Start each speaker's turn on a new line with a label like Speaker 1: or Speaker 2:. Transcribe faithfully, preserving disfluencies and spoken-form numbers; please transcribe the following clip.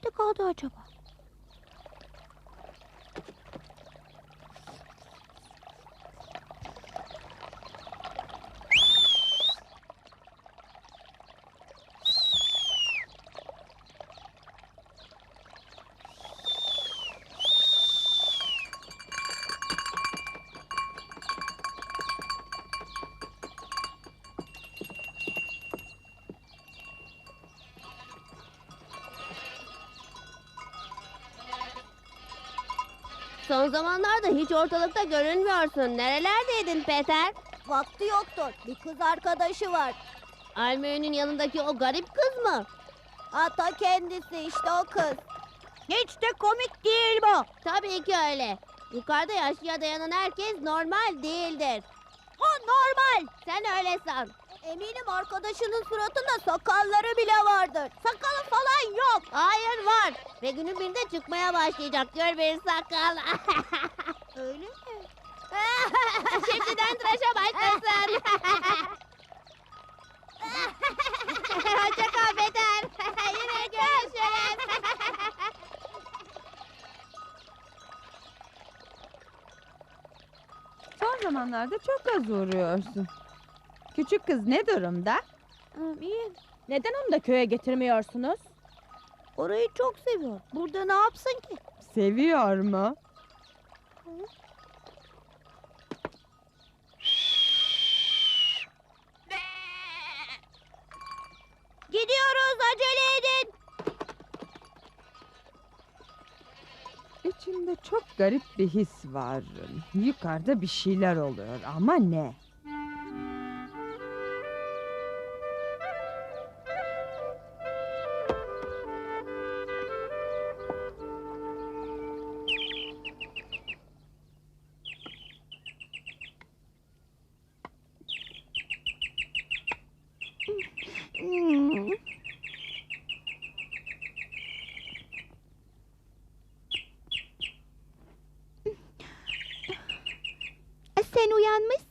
Speaker 1: nerede kaldı acaba?
Speaker 2: Son zamanlarda hiç ortalıkta görünmüyorsun. Nerelerdeydin Peter?
Speaker 1: Vakti yoktur. Bir kız arkadaşı var.
Speaker 2: Almöy'ün yanındaki o garip kız mı?
Speaker 1: Ata kendisi işte o kız. Hiç de komik değil bu.
Speaker 2: Tabii ki öyle. Yukarıda yaşlıya dayanan herkes normal değildir.
Speaker 1: O normal.
Speaker 2: Sen öyle san.
Speaker 1: Eminim arkadaşının suratında sakalları bile vardır. Sakalı falan yok.
Speaker 2: Hayır var. Ve günün birinde çıkmaya başlayacak. Gör bir sakal.
Speaker 1: Öyle mi?
Speaker 2: Şimdiden tıraşa başlasın. Hoşça kal Peter. Yine görüşürüz.
Speaker 3: Son zamanlarda çok az uğruyorsun. Küçük kız ne durumda?
Speaker 1: İyi.
Speaker 4: Neden onu da köye getirmiyorsunuz?
Speaker 1: Orayı çok seviyor. Burada ne yapsın ki?
Speaker 3: Seviyor mu?
Speaker 1: Gidiyoruz, acele edin.
Speaker 3: İçimde çok garip bir his var. Yukarıda bir şeyler oluyor ama ne?
Speaker 1: Hmm. Sen uyanmışsın.